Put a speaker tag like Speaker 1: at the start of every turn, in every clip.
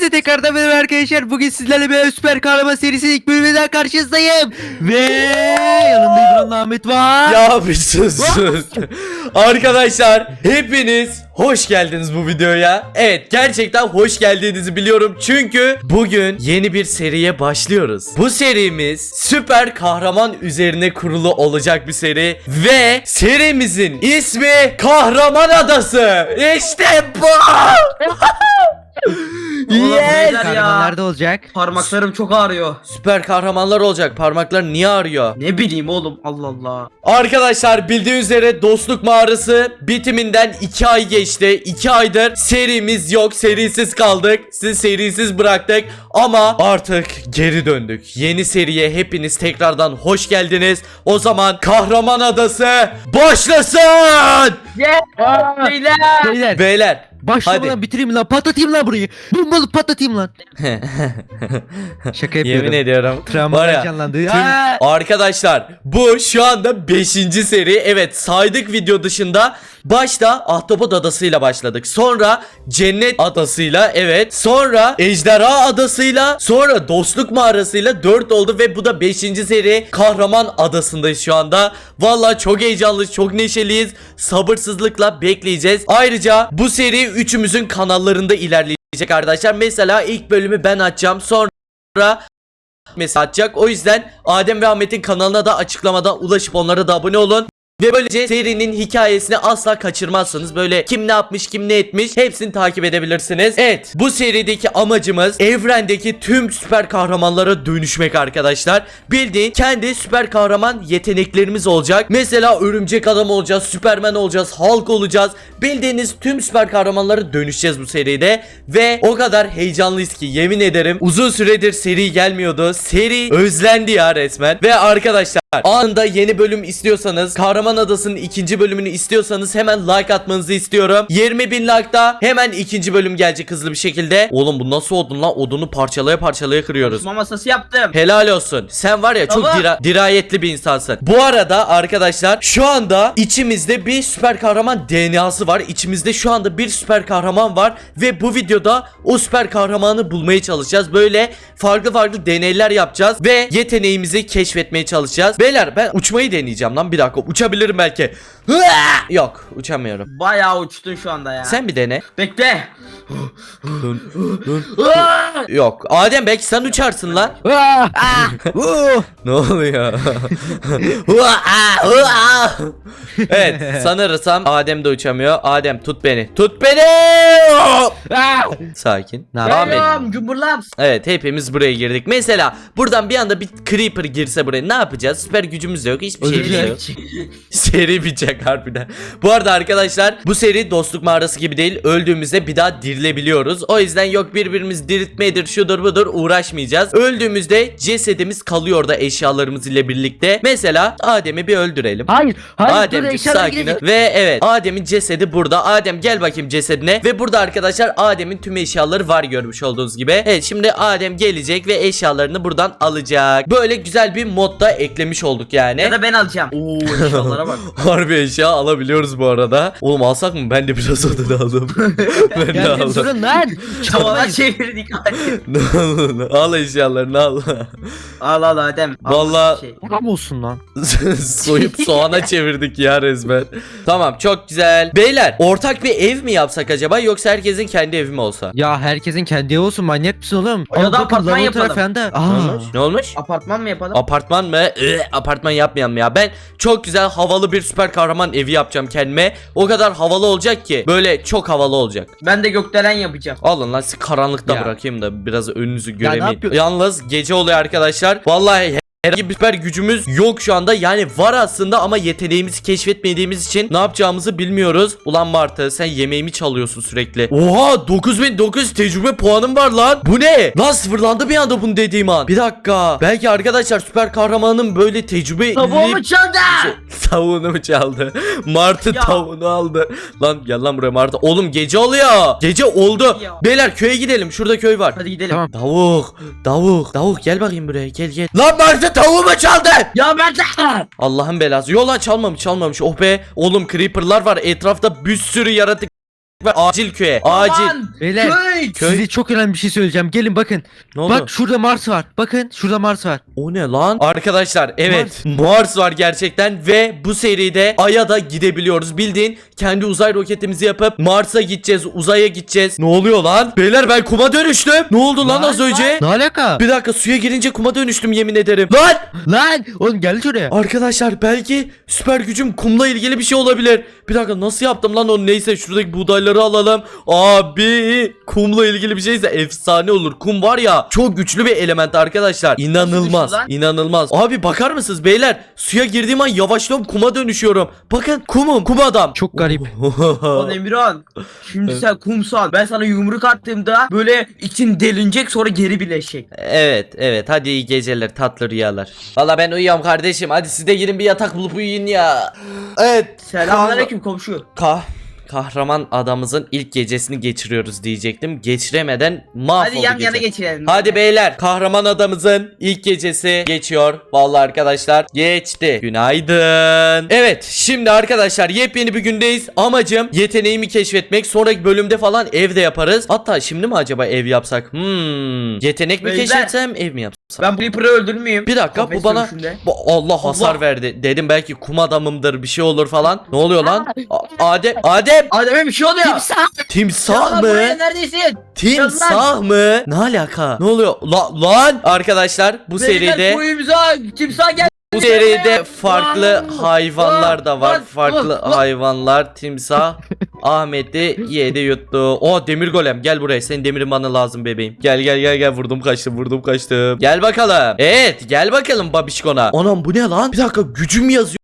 Speaker 1: Hepsi tekrardan benim arkadaşlar. Bugün sizlerle bir süper kahraman serisinin ilk bölümünden karşınızdayım. Ve yanımda İbrahim Ahmet var.
Speaker 2: Ya bir sus. Arkadaşlar hepiniz hoş geldiniz bu videoya. Evet, gerçekten hoş geldiğinizi biliyorum. Çünkü bugün yeni bir seriye başlıyoruz. Bu serimiz süper kahraman üzerine kurulu olacak bir seri. Ve serimizin ismi Kahraman Adası. İşte bu.
Speaker 1: Yes.
Speaker 3: Ya.
Speaker 1: Kahramanlar da olacak.
Speaker 3: Parmaklarım çok ağrıyor.
Speaker 2: Süper kahramanlar olacak. Parmaklar niye ağrıyor?
Speaker 3: Ne bileyim oğlum, Allah Allah.
Speaker 2: Arkadaşlar bildiğiniz üzere Dostluk Mağarası bitiminden 2 ay geçti. 2 aydır serimiz yok. Serisiz kaldık. Sizi serisiz bıraktık. Ama artık geri döndük. Yeni seriye hepiniz tekrardan hoş geldiniz. O zaman Kahraman Adası başlasın.
Speaker 3: Beyler.
Speaker 1: Beyler.
Speaker 2: Beyler.
Speaker 1: Başlamadan
Speaker 2: Hadi.
Speaker 1: bitireyim lan, patlatayım lan burayı. Bombalı patlatayım lan. Şaka yapıyorum.
Speaker 2: Yemin ediyorum.
Speaker 1: Travmalar
Speaker 2: Var ya,
Speaker 1: canlandı.
Speaker 2: tüm- arkadaşlar bu şu anda 5. seri. Evet, saydık video dışında. Başta Ahtapot Adası'yla başladık. Sonra Cennet Adası'yla, evet. Sonra Ejderha Adası'yla. Sonra Dostluk Mağarası'yla 4 oldu ve bu da 5. seri. Kahraman Adası'ndayız şu anda. Vallahi çok heyecanlıyız, çok neşeliyiz. Sabırsızlıkla bekleyeceğiz. Ayrıca bu seri üçümüzün kanallarında ilerleyecek arkadaşlar. Mesela ilk bölümü ben açacağım. Sonra mesela atacak. O yüzden Adem ve Ahmet'in kanalına da açıklamadan ulaşıp onlara da abone olun. Ve böylece serinin hikayesini asla kaçırmazsınız. Böyle kim ne yapmış, kim ne etmiş hepsini takip edebilirsiniz. Evet, bu serideki amacımız evrendeki tüm süper kahramanlara dönüşmek arkadaşlar. Bildiğin kendi süper kahraman yeteneklerimiz olacak. Mesela Örümcek Adam olacağız, Süperman olacağız, Hulk olacağız. Bildiğiniz tüm süper kahramanlara dönüşeceğiz bu seride. Ve o kadar heyecanlıyız ki yemin ederim uzun süredir seri gelmiyordu. Seri özlendi ya resmen. Ve arkadaşlar anında yeni bölüm istiyorsanız, Kahraman Adası'nın 2. bölümünü istiyorsanız hemen like atmanızı istiyorum. 20.000 like'da hemen 2. bölüm gelecek hızlı bir şekilde. Oğlum bu nasıl odun lan? Odunu parçalaya parçalaya kırıyoruz.
Speaker 3: Osman masası yaptım.
Speaker 2: Helal olsun. Sen var ya çok
Speaker 3: Baba.
Speaker 2: dirayetli bir insansın. Bu arada arkadaşlar şu anda içimizde bir süper kahraman DNA'sı var. İçimizde şu anda bir süper kahraman var. Ve bu videoda o süper kahramanı bulmaya çalışacağız. Böyle farklı farklı deneyler yapacağız. Ve yeteneğimizi keşfetmeye çalışacağız. Beyler ben uçmayı deneyeceğim lan, bir dakika. Uçabilirim belki. Yok, uçamıyorum.
Speaker 3: Bayağı uçtun şu anda ya.
Speaker 2: Sen bir dene.
Speaker 3: Bekle.
Speaker 2: Dön. Yok. Adem belki sen uçarsın lan. Ne oluyor? Evet, sanırsam Adem de uçamıyor. Adem tut beni. Tut beni. Sakin. Devam et.
Speaker 3: Selam cumburlam.
Speaker 2: Evet, hepimiz buraya girdik. Mesela buradan bir anda bir creeper girse buraya ne yapacağız? Süper gücümüz de yok. Hiçbir şeyimiz de yok. Seri bitecek harbiden. Bu arada arkadaşlar bu seri Dostluk Mağarası gibi değil. Öldüğümüzde bir daha dirilebiliyoruz. O yüzden yok birbirimizi diriltmedir, şudur budur uğraşmayacağız. Öldüğümüzde cesedimiz kalıyor da eşyalarımız ile birlikte. Mesela Adem'i bir öldürelim.
Speaker 1: Hayır.
Speaker 2: Ademciğim sakin ol. Ve evet, Adem'in cesedi burada. Adem gel bakayım cesedine. Ve burada arkadaşlar Adem'in tüm eşyaları var görmüş olduğunuz gibi. Evet, şimdi Adem gelecek ve eşyalarını buradan alacak. Böyle güzel bir modda eklemiş olduk yani.
Speaker 3: Ya da ben alacağım. Oo, eşyalara bak.
Speaker 2: Harbi eşya alabiliyoruz bu arada. Oğlum alsak mı? Ben de biraz odun aldım. Ben de
Speaker 1: Geldim
Speaker 2: aldım.
Speaker 1: durun lan.
Speaker 3: Tavana çevirdik.
Speaker 2: Al eşyalarını al.
Speaker 3: Al Adem. Al
Speaker 2: Vallahi-
Speaker 3: şey.
Speaker 1: Tam olsun lan.
Speaker 2: Soyup soğana çevirdik ya resmen. Tamam, çok güzel. Beyler ortak bir ev mi yapsak acaba, yoksa herkesin kendi evi mi olsa?
Speaker 1: Ya herkesin kendi evi olsun, manyak mısın oğlum?
Speaker 3: Ya da
Speaker 1: Al bakın,
Speaker 3: apartman
Speaker 1: lavabo
Speaker 3: yapalım.
Speaker 1: tarafında.
Speaker 2: Ne olmuş?
Speaker 3: Apartman mı yapalım?
Speaker 2: Apartman mı? Apartman yapmayalım ya. Ben çok güzel havalı bir süper kahraman evi yapacağım kendime. O kadar havalı olacak ki. Böyle çok havalı olacak.
Speaker 3: Ben de gökdelen yapacağım.
Speaker 2: Alın lan, sizi karanlıkta
Speaker 1: Ya.
Speaker 2: bırakayım da biraz önünüzü
Speaker 1: ne
Speaker 2: göremeyin.
Speaker 1: yapıyorsun?
Speaker 2: Yalnız gece oluyor arkadaşlar. Vallahi herhangi bir süper gücümüz yok şu anda. Yani var aslında ama yeteneğimizi keşfetmediğimiz için ne yapacağımızı bilmiyoruz. Ulan Martı, sen yemeğimi çalıyorsun sürekli. Oha, 9900 tecrübe puanım var lan. Bu ne? Lan sıfırlandı bir anda bunu dediğim an. Bir dakika. Belki arkadaşlar süper kahramanın böyle tecrübe...
Speaker 3: Tavuğumu çaldı.
Speaker 2: Tavuğunu mu çaldı? Martı
Speaker 3: Ya.
Speaker 2: tavuğunu aldı. Lan gel lan buraya Martı. Oğlum gece oluyor. Gece oldu.
Speaker 3: Ya.
Speaker 2: Beyler köye gidelim. Şurada köy var.
Speaker 3: Hadi gidelim.
Speaker 1: Tamam.
Speaker 2: Tavuk gel bakayım buraya, gel. Lan Martı tavuğumu çaldı.
Speaker 3: Ya ben de.
Speaker 2: Allah'ın belası. Yola çalmamış. Oh be. Oğlum creeper'lar var. Etrafta bir sürü yaratık ve acil köye. Acil.
Speaker 3: Aman,
Speaker 1: Beyler,
Speaker 3: köy.
Speaker 1: size çok önemli bir şey söyleyeceğim. Gelin bakın.
Speaker 2: Ne oldu?
Speaker 1: Bak şurada Mars var. Bakın şurada Mars var.
Speaker 2: O ne lan? Arkadaşlar evet Mars var gerçekten ve bu seride Ay'a da gidebiliyoruz. Bildiğin kendi uzay roketimizi yapıp Mars'a gideceğiz, uzaya gideceğiz. Ne oluyor lan? Beyler ben kuma dönüştüm. Ne oldu lan az önce?
Speaker 1: Ne alaka?
Speaker 2: Bir dakika suya girince kuma dönüştüm yemin ederim. Lan!
Speaker 1: Lan oğlum gel şuraya.
Speaker 2: Arkadaşlar belki süper gücüm kumla ilgili bir şey olabilir. Bir dakika nasıl yaptım lan onu? Neyse şuradaki buğdayları alalım. Abi kumla ilgili bir şeyse efsane olur. Kum var ya çok güçlü bir element arkadaşlar. İnanılmaz.
Speaker 3: Nasıl güçlü
Speaker 2: İnanılmaz. Abi bakar mısınız beyler? Suya girdiğim an yavaşlıyorum kuma dönüşüyorum. Bakın kumum kum adam.
Speaker 1: Çok garip.
Speaker 3: Lan Emirhan. Şimdi sen kumsal. Ben sana yumruk attığımda böyle için delinecek sonra geri birleşecek.
Speaker 2: Evet hadi iyi geceler tatlı rüyalar. Valla ben uyuyorum kardeşim hadi siz de girin bir yatak bulup uyuyun ya. Evet.
Speaker 3: Selamünaleyküm komşu.
Speaker 2: Kahraman adamımızın ilk gecesini geçiriyoruz diyecektim. Geçiremeden mahvoldu
Speaker 3: Hadi yan
Speaker 2: gece.
Speaker 3: yana geçirelim.
Speaker 2: Hadi beyler kahraman adamımızın ilk gecesi geçiyor. Vallahi arkadaşlar geçti. Günaydın. Evet şimdi arkadaşlar yepyeni bir gündeyiz. Amacım yeteneğimi keşfetmek. Sonraki bölümde falan evde yaparız. Hatta şimdi mi acaba ev yapsak? Yetenek mi
Speaker 3: Beyler.
Speaker 2: keşfetsem ev mi yapsam?
Speaker 3: Ben bu Reaper'ı öldürmeyeyim.
Speaker 2: Bir dakika bu
Speaker 3: Kafes
Speaker 2: bana
Speaker 3: dövüşünde.
Speaker 2: Allah hasar
Speaker 3: Allah.
Speaker 2: verdi. Dedim belki kum adamımdır bir şey olur falan. Ne oluyor lan? Adem
Speaker 3: Adem'e bir şey oluyor.
Speaker 2: timsah
Speaker 3: Ya buraya
Speaker 2: mı?
Speaker 3: neredesin?
Speaker 2: Timsah mı? Ne alaka? Ne oluyor? Lan arkadaşlar bu seride
Speaker 3: Timsah gel.
Speaker 2: bu seride farklı
Speaker 3: Lan,
Speaker 2: hayvanlar da var.
Speaker 3: lan,
Speaker 2: Farklı
Speaker 3: lan.
Speaker 2: hayvanlar. Timsah Ahmet'i yedi yuttu. O demir golem gel buraya. Senin demirin bana lazım bebeğim. Gel vurdum kaçtım. Gel bakalım. Evet gel bakalım babişkona. Anam bu ne lan? Bir dakika gücüm yazıyor.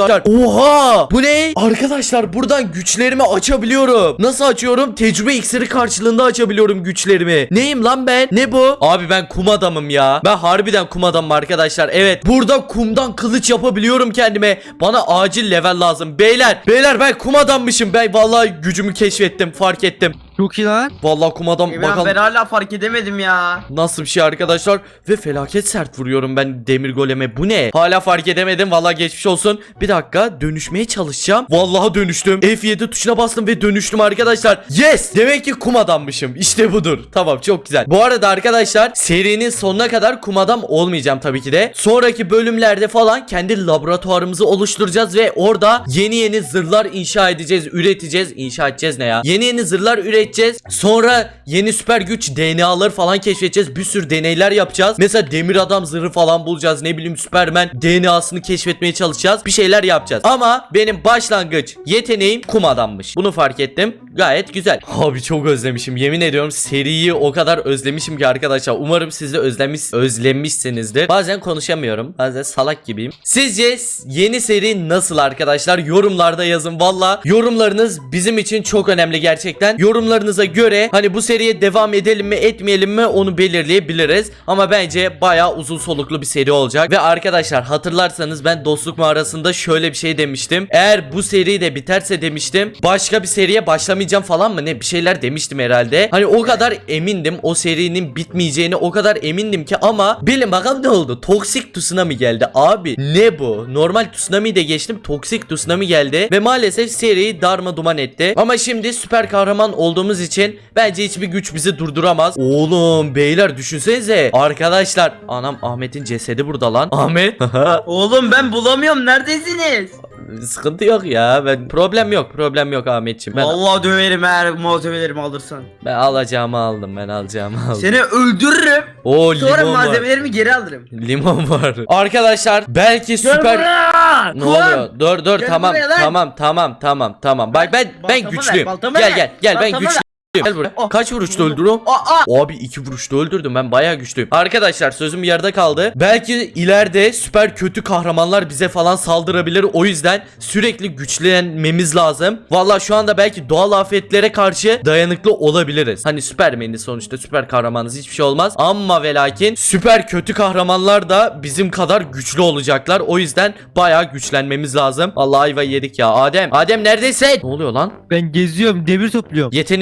Speaker 2: Oha! Bu ne? Arkadaşlar buradan güçlerimi açabiliyorum. Nasıl açıyorum? Tecrübe iksiri karşılığında açabiliyorum güçlerimi. Neyim lan ben? Ne bu? Abi ben kum adamım ya. Ben harbiden kum adamım arkadaşlar. Evet. Burada kumdan kılıç yapabiliyorum kendime. Bana acil level lazım. Beyler ben kum adammışım. Ben vallahi gücümü keşfettim. Fark ettim.
Speaker 1: Çok iyi lan.
Speaker 2: Vallahi kum adam.
Speaker 3: Emirhan
Speaker 2: Bakalım
Speaker 3: ben hala fark edemedim ya.
Speaker 2: nasıl bir şey arkadaşlar. Ve felaket sert vuruyorum ben demir goleme. Bu ne? Hala fark edemedim. Vallahi geçmiş olsun. Bir dakika dönüşmeye çalışacağım. Vallahi dönüştüm. F7 tuşuna bastım ve dönüştüm arkadaşlar. Yes! Demek ki kum adammışım. İşte budur. Tamam çok güzel. Bu arada arkadaşlar serinin sonuna kadar kum adam olmayacağım tabii ki de. Sonraki bölümlerde falan kendi laboratuvarımızı oluşturacağız ve orada yeni zırhlar inşa edeceğiz. Üreteceğiz. İnşa edeceğiz ne ya? Yeni zırhlar üreteceğiz. Sonra yeni süper güç DNA'ları falan keşfedeceğiz. Bir sürü deneyler yapacağız. Mesela demir adam zırhı falan bulacağız. Ne bileyim Superman DNA'sını keşfetmeye çalışacağız. Bir şeyler yapacağız. Ama benim başlangıç yeteneğim kum adammış. Bunu fark ettim. Gayet güzel. Abi çok özlemişim. Yemin ediyorum seriyi o kadar özlemişim ki arkadaşlar. Umarım siz de özlemişsinizdir. Bazen konuşamıyorum. Bazen salak gibiyim. Sizce yeni seri nasıl arkadaşlar? Yorumlarda yazın. Valla yorumlarınız bizim için çok önemli gerçekten. Yorumlarınıza göre hani bu seriye devam edelim mi etmeyelim mi onu belirleyebiliriz. Ama bence bayağı uzun soluklu bir seri olacak. Ve arkadaşlar hatırlarsanız ben dostluk mağarasında şöyle bir şey demiştim. Eğer bu seri de biterse demiştim başka bir seriye başlamayacağım falan mı ne bir şeyler demiştim herhalde. Hani o kadar emindim o serinin bitmeyeceğini o kadar emindim ki ama bilin bakalım ne oldu? Toksik tsunami geldi abi. Ne bu? Normal tsunami de geçtim. Toksik tsunami geldi ve maalesef seriyi darmaduman etti. Ama şimdi süper kahraman olduğumuz için bence hiçbir güç bizi durduramaz. Oğlum beyler düşünsenize. Arkadaşlar anam Ahmet'in cesedi burada lan. Ahmet.
Speaker 3: Oğlum ben bulamıyorum neredesiniz?
Speaker 2: Sıkıntı yok ya. Problem yok Ahmetciğim.
Speaker 3: Vallahi döverim eğer malzemelerimi alırsan.
Speaker 2: Ben alacağımı aldım.
Speaker 3: Seni öldürürüm.
Speaker 2: O
Speaker 3: Sonra
Speaker 2: limon var.
Speaker 3: malzemelerimi geri alırım.
Speaker 2: Limon var. Arkadaşlar belki süper ne oluyor? Dur
Speaker 3: Gel
Speaker 2: tamam
Speaker 3: buraya lan.
Speaker 2: tamam. Bak ben
Speaker 3: Baltamı
Speaker 2: güçlüyüm.
Speaker 3: ver, baltamı
Speaker 2: Gel
Speaker 3: ver.
Speaker 2: ben
Speaker 3: Baltamı
Speaker 2: güçlüyüm. Gel buraya.
Speaker 3: Oh.
Speaker 2: Kaç vuruşta öldürüyorum? Abi 2 vuruşta öldürdüm ben bayağı güçlüyüm. Arkadaşlar sözüm yarıda kaldı. Belki ileride süper kötü kahramanlar bize falan saldırabilir. O yüzden sürekli güçlenmemiz lazım. Vallahi şu anda belki doğal afetlere karşı dayanıklı olabiliriz. Hani Süpermen'i sonuçta süper kahramanız hiçbir şey olmaz. Ama ve lakin süper kötü kahramanlar da bizim kadar güçlü olacaklar. O yüzden bayağı güçlenmemiz lazım. Vallahi ayva yedik ya. Adem neredesin? Ne oluyor lan?
Speaker 1: Ben geziyorum demir topluyorum.
Speaker 2: Yeteneğinizi keşfedin.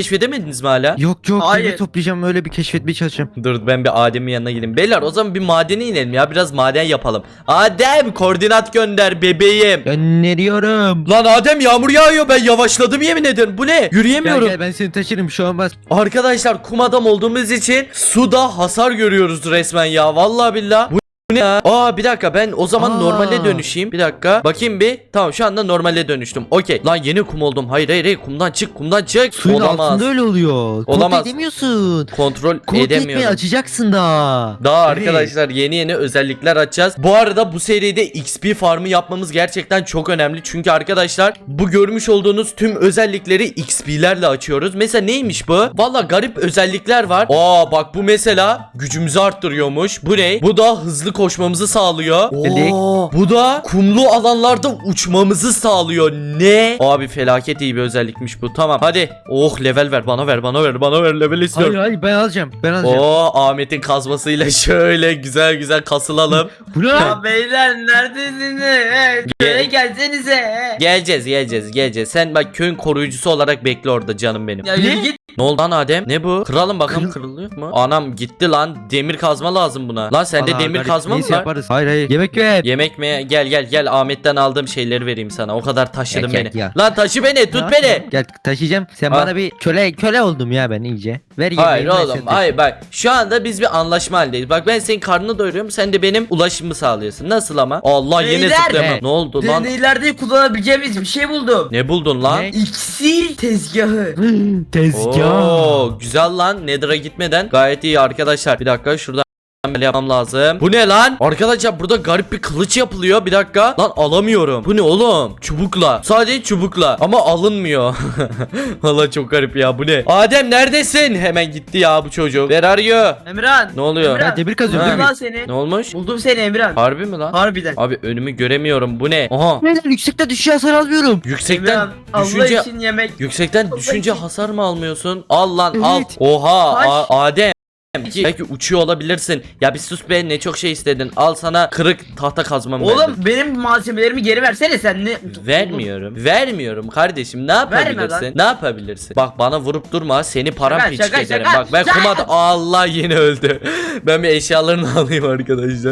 Speaker 2: keşfedemediniz mi hala?
Speaker 1: Yok yok,
Speaker 3: Hayır.
Speaker 1: demir toplayacağım, öyle bir keşfetmeye çalışacağım.
Speaker 2: Dur ben bir Adem'in yanına gideyim. Beyler o zaman bir madene inelim ya. Biraz maden yapalım. Adem koordinat gönder bebeğim.
Speaker 1: Gönderiyorum.
Speaker 2: Lan Adem yağmur yağıyor. Ben yavaşladım yemin ederim. Bu ne?
Speaker 1: Gel
Speaker 2: Yürüyemiyorum.
Speaker 1: gel, ben seni taşırım, bir şey olmaz.
Speaker 2: Arkadaşlar kum adam olduğumuz için suda hasar görüyoruz resmen ya. Vallahi billah. Bu ne ya? Aa bir dakika, ben o zaman
Speaker 1: Aa.
Speaker 2: normale dönüşeyim. Bir dakika. Bakayım bir. Tamam şu anda normale dönüştüm. Okey. Lan yeni kum oldum. Hayır hayır hayır. Kumdan çık. Kumdan çık.
Speaker 1: Suyun
Speaker 2: Olamaz.
Speaker 1: altında öyle oluyor.
Speaker 2: Olamaz.
Speaker 1: Kontrol edemiyorsun.
Speaker 2: Kontrol
Speaker 1: Kontrol etmeyi
Speaker 2: edemiyorum.
Speaker 1: açacaksın daha.
Speaker 2: Daha
Speaker 1: Evet.
Speaker 2: arkadaşlar yeni yeni özellikler açacağız. Bu arada bu seride XP farmı yapmamız gerçekten çok önemli. Çünkü arkadaşlar bu görmüş olduğunuz tüm özellikleri XP'lerle açıyoruz. Mesela neymiş bu? Valla garip özellikler var. Aa bak bu mesela gücümüzü arttırıyormuş. Bu ne? Bu da hızlı koşmamızı sağlıyor.
Speaker 1: Delik.
Speaker 2: Oo, bu da kumlu alanlarda uçmamızı sağlıyor. Ne? Abi felaket iyi bir özellikmiş bu. Tamam hadi. Oh level ver, bana ver, bana ver, bana ver, level istiyorum.
Speaker 1: Hayır hayır, ben alacağım. Ben alacağım.
Speaker 2: Oo Ahmet'in kazmasıyla şöyle güzel güzel kasılalım.
Speaker 1: Bu ne lan?
Speaker 3: Ya beyler neredesiniz? Şöyle gelsenize.
Speaker 2: Geleceğiz. Sen bak köyün koruyucusu olarak bekle orada canım benim.
Speaker 3: Ya
Speaker 1: Ne?
Speaker 3: yürü git.
Speaker 2: Ne oldu lan Adem? Ne bu? Kıralım bakalım, kırılıyor mu? Anam gitti lan. Demir kazma lazım buna. Lan sende
Speaker 1: Vallahi
Speaker 2: demir
Speaker 1: garip,
Speaker 2: kazma mı
Speaker 1: neyse
Speaker 2: var?
Speaker 1: yaparız. Hayır hayır. Yemek ver.
Speaker 2: Yemek mi? Gel Ahmet'ten aldığım şeyleri vereyim sana. O kadar taşıdın
Speaker 1: Gel,
Speaker 2: beni.
Speaker 1: gel.
Speaker 2: Lan taşı beni, tut
Speaker 1: Ya,
Speaker 2: beni.
Speaker 1: Gel taşıyacağım. Sen
Speaker 2: Ha.
Speaker 1: bana bir köle oldum ya ben iyice. Ver yemeği.
Speaker 2: Hayır
Speaker 1: ben
Speaker 2: oğlum
Speaker 1: seni
Speaker 2: hayır bak şu anda biz bir anlaşma halindeyiz. Bak ben senin karnını doyuruyorum, sen de benim ulaşımımı sağlıyorsun. Nasıl ama? Allah yine
Speaker 3: Beyler.
Speaker 2: zıplayamam.
Speaker 1: Evet.
Speaker 2: Ne oldu lan?
Speaker 3: Deneylerde kullanabileceğimiz bir şey buldum.
Speaker 2: Ne buldun lan?
Speaker 1: Ne?
Speaker 3: İksir tezgahı.
Speaker 1: Tezgah.
Speaker 2: Oo, güzel lan. Nether'a gitmeden gayet iyi arkadaşlar. Bir dakika şuradan böyle yapmam lazım. Bu ne lan? Arkadaşlar burada garip bir kılıç yapılıyor. Bir dakika. Lan alamıyorum. Bu ne oğlum? Çubukla. Sadece çubukla. Ama alınmıyor. Valla çok garip ya. Bu ne? Adem neredesin? Hemen gitti ya bu çocuk. Where are you?
Speaker 3: Emirhan.
Speaker 2: Ne oluyor?
Speaker 3: Emirhan,
Speaker 1: Ha, demir kazıyorum,
Speaker 3: buldum
Speaker 1: demir.
Speaker 3: lan seni.
Speaker 2: Ne olmuş?
Speaker 3: Buldum seni Emirhan.
Speaker 2: Harbi mi lan?
Speaker 3: Harbiden.
Speaker 2: Abi önümü göremiyorum. Bu ne? Aha.
Speaker 1: Neden yüksekte düşüyor, hasar almıyorum.
Speaker 2: Yüksekten
Speaker 3: Emirhan Allah
Speaker 2: düşünce
Speaker 3: için yemek.
Speaker 2: Yüksekten düşünce
Speaker 3: için.
Speaker 2: hasar mı almıyorsun? Al lan al.
Speaker 1: Evet.
Speaker 2: Oha
Speaker 3: Taş.
Speaker 2: Adem. Belki uçuyor olabilirsin. Ya bir sus be, ne çok şey istedin. Al sana kırık tahta kazmamı
Speaker 3: Oğlum
Speaker 2: verdim.
Speaker 3: benim malzemelerimi geri versene sen ne?
Speaker 2: Vermiyorum kardeşim, ne yapabilirsin?
Speaker 3: lan.
Speaker 2: Ne yapabilirsin? Bak bana vurup durma, seni paramparça
Speaker 3: Şaka,
Speaker 2: ederim.
Speaker 3: şaka,
Speaker 2: Bak ben
Speaker 3: şaka.
Speaker 2: kumada Allah yine öldü. Ben bir eşyalarını alayım arkadaşlar.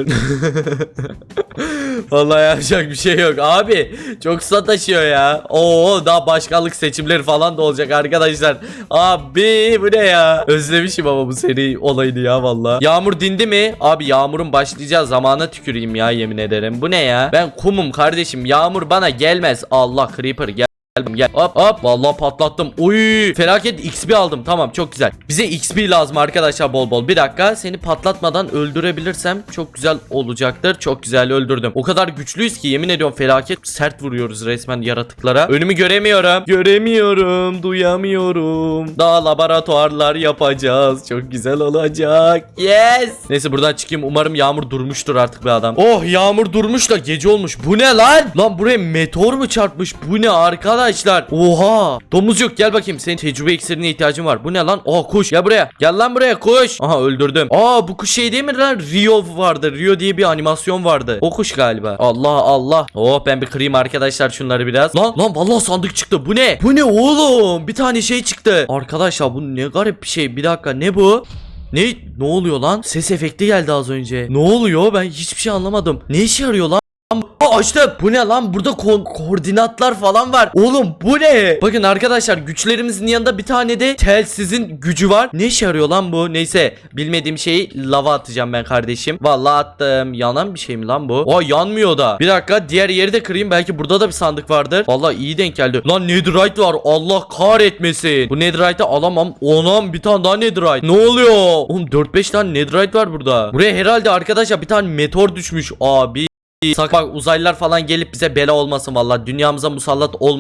Speaker 2: Vallahi yapacak bir şey yok abi. Çok sataşıyor ya. Oo daha başkanlık seçimleri falan da olacak arkadaşlar. Abi bu ne ya? Özlemişim ama bu seri olayını ya vallahi. Yağmur dindi mi? Abi yağmurun başlayacağı zamana tüküreyim ya, yemin ederim. Bu ne ya? Ben kumum kardeşim. Yağmur bana gelmez. Allah creeper gel. Gel hop hop vallahi patlattım. Uy felaket XP aldım. Tamam çok güzel. Bize XP lazım arkadaşlar bol bol. Bir dakika, seni patlatmadan öldürebilirsem çok güzel olacaktır. Çok güzel öldürdüm. O kadar güçlüyüz ki yemin ediyorum felaket sert vuruyoruz resmen yaratıklara. Önümü göremiyorum. Duyamıyorum. Daha laboratuvarlar yapacağız. Çok güzel olacak. Yes. Neyse buradan çıkayım. Umarım yağmur durmuştur artık be adam. Oh yağmur durmuş da gece olmuş. Bu ne lan? Lan buraya meteor mu çarpmış? Bu ne arkadaşlar? Oha. Domuzcuk gel bakayım. Senin tecrübe iksirine ihtiyacın var. Bu ne lan? Aa kuş. Gel buraya. Gel lan buraya kuş. Aha öldürdüm. Aa bu kuş şey değil mi lan? Rio vardı. Rio diye bir animasyon vardı. O kuş galiba. Allah. Oh ben bir kırayım arkadaşlar şunları biraz. Lan vallahi sandık çıktı. Bu ne? Bu ne oğlum? Bir tane şey çıktı. Arkadaşlar bu ne garip bir şey. Bir dakika ne bu? Ne oluyor lan? Ses efekti geldi az önce. Ne oluyor? Ben hiçbir şey anlamadım. Ne işe yarıyor lan? Açtım. Bu ne lan? Burada koordinatlar falan var. Oğlum bu ne? Bakın arkadaşlar güçlerimizin yanında bir tane de telsizin gücü var. Ne işe yarıyor lan bu? Neyse bilmediğim şeyi lava atacağım ben kardeşim. Vallahi attım. Yanan bir şey mi lan bu? Aa yanmıyor da. Bir dakika diğer yeri de kırayım. Belki burada da bir sandık vardır. Vallahi iyi denk geldi. Lan netherite var. Allah kahretmesin. Bu netherite'ı alamam. Onam bir tane daha netherite. Ne oluyor? Oğlum 4-5 tane netherite var burada. Buraya herhalde arkadaşlar bir tane meteor düşmüş. Abi. Bak uzaylılar falan gelip bize bela olmasın vallahi. Dünyamıza musallat olmasın.